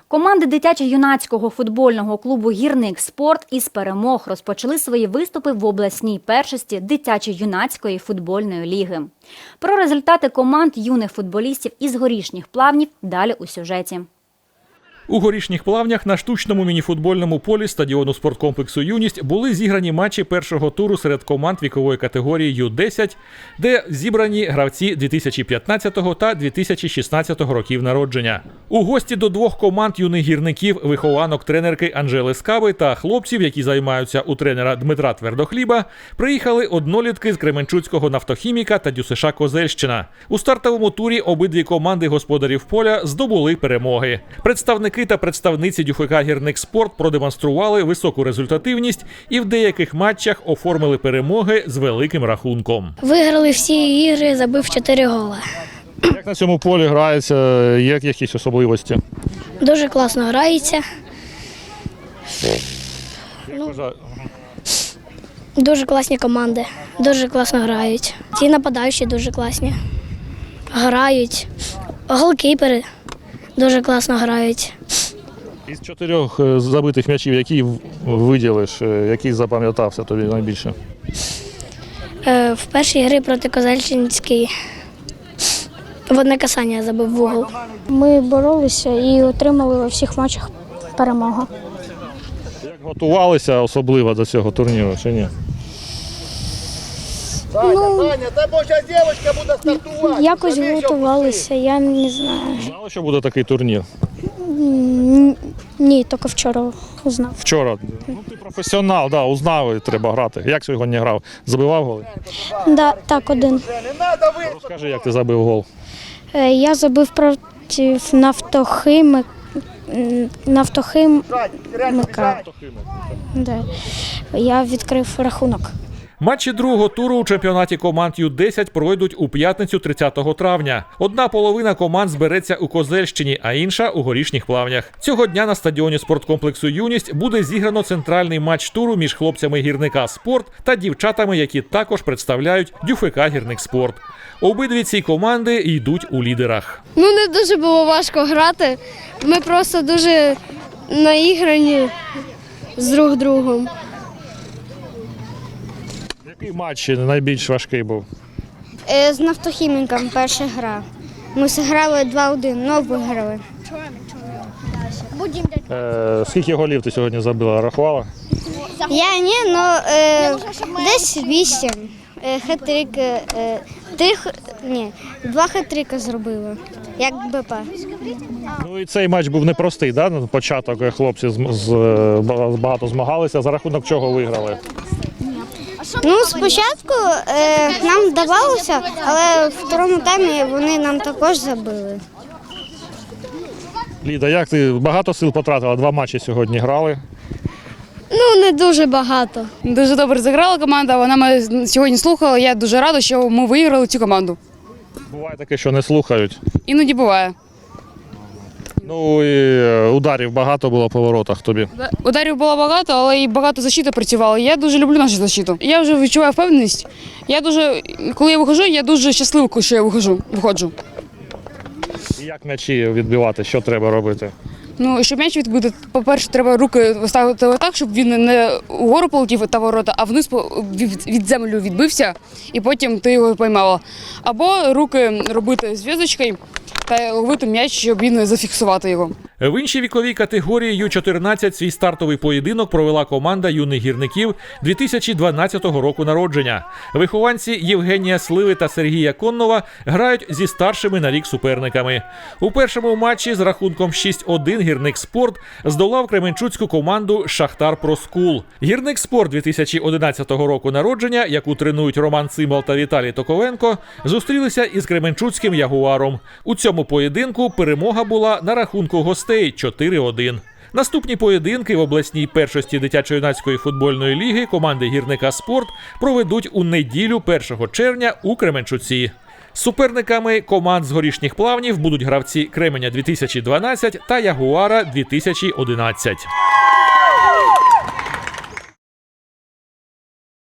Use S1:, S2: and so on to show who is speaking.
S1: Команди дитячо-юнацького футбольного клубу «Гірник Спорт» із перемог розпочали свої виступи в обласній першості дитячо-юнацької футбольної ліги. Про результати команд юних футболістів із Горішніх Плавнів далі у сюжеті.
S2: У Горішніх Плавнях на штучному мініфутбольному полі стадіону спорткомплексу «Юність» були зіграні матчі першого туру серед команд вікової категорії Ю-10, де зібрані гравці 2015 та 2016 років народження. У гості до двох команд юних гірників, вихованок тренерки Анжели Скаби та хлопців, які займаються у тренера Дмитра Твердохліба, приїхали однолітки з Кременчуцького нафтохіміка та ДЮСШ Козельщина. У стартовому турі обидві команди господарів поля здобули перемоги. Представники та представниці ДЮФК «Гірник Спорт» продемонстрували високу результативність і в деяких матчах оформили перемоги з великим рахунком.
S3: Виграли всі ігри, забив 4 голи.
S4: Як на цьому полі грається, є якісь особливості?
S3: Дуже класно грається. Дуже класні команди, дуже класно грають. Ті нападаючі дуже класні. Грають. Голкіпери дуже класно грають.
S4: Із 4 забитих м'ячів, які виділиш, який запам'ятався тобі найбільше?
S3: В першій грі проти Козельщинської в одне касання забив в угол. Ми боролися і отримали у всіх матчах перемогу.
S4: Як готувалися особливо до цього турніру, чи ні?
S3: Якось готувалися, я не знаю.
S4: Знали, що буде такий турнір?
S3: Ні, тільки вчора узнав.
S4: Вчора. Ну, ти професіонал, да, узнав, і треба грати. Як сьогодні грав? Забивав голи?
S3: Да, так, один.
S4: Розкажи, як ти забив гол.
S3: Я забив проти нафтохимика. Да. Я відкрив рахунок.
S2: Матчі другого туру у чемпіонаті команд Ю-10 пройдуть у п'ятницю 30 травня. Одна половина команд збереться у Козельщині, а інша – у Горішніх Плавнях. Цього дня на стадіоні спорткомплексу «Юність» буде зіграно центральний матч туру між хлопцями «Гірника Спорт» та дівчатами, які також представляють ДЮФК «Гірник Спорт». Обидві ці команди йдуть у лідерах.
S5: Не дуже було важко грати. Ми просто дуже наіграні з друг другом.
S4: Який матч найбільш важкий був?
S5: З нафтохіміком перша гра. Ми зіграли 2-1, але виграли.
S4: Скільки голів ти сьогодні забила? Рахувала?
S5: Я ні, але десь 8. Хет-трик, 2 хет-трика зробили, як БП.
S4: Ну і цей матч був непростий, да? На початок хлопці багато змагалися. За рахунок чого виграли?
S5: Спочатку нам вдавалося, але в другому таймі вони нам також забили.
S4: Ліда, як ти багато сил потратила? 2 матчі сьогодні грали.
S5: Не дуже багато.
S6: Дуже добре зіграла команда, вона мене сьогодні слухала, я дуже рада, що ми виграли цю команду.
S4: Буває таке, що не слухають.
S6: Іноді буває.
S4: Ну і ударів багато було по воротах тобі.
S6: Ударів було багато, але і багато защита працювала. Я дуже люблю нашу защиту. Я вже відчуваю впевненість. Коли я виходжу, я дуже щаслива, що я виходжу.
S4: І як м'ячі відбивати, що треба робити?
S6: Щоб м'яч відбити, по-перше, треба руки ставити так, щоб він не вгору полетів та ворота, а вниз від землі відбився, і потім ти його поймала. Або руки робити зв'язочкою та ловити м'яч, щоб він зафіксувати його.
S2: В іншій віковій категорії Ю-14 свій стартовий поєдинок провела команда юних гірників 2012 року народження. Вихованці Євгенія Сливи та Сергія Коннова грають зі старшими на рік суперниками. У першому матчі з рахунком 6-1 «Гірник Спорт» здолав кременчуцьку команду «Шахтар Проскул». «Гірник Спорт» 2011 року народження, яку тренують Роман Цимбал та Віталій Токовенко, зустрілися із кременчуцьким «Ягуаром». У цьому поєдинку перемога була на рахунку гостей 4-1. Наступні поєдинки в обласній першості дитячо-юнацької футбольної ліги команди «Гірника Спорт» проведуть у неділю 1 червня у Кременчуці. Суперниками команд з Горішніх Плавнів будуть гравці Кременя 2012 та Ягуара 2011.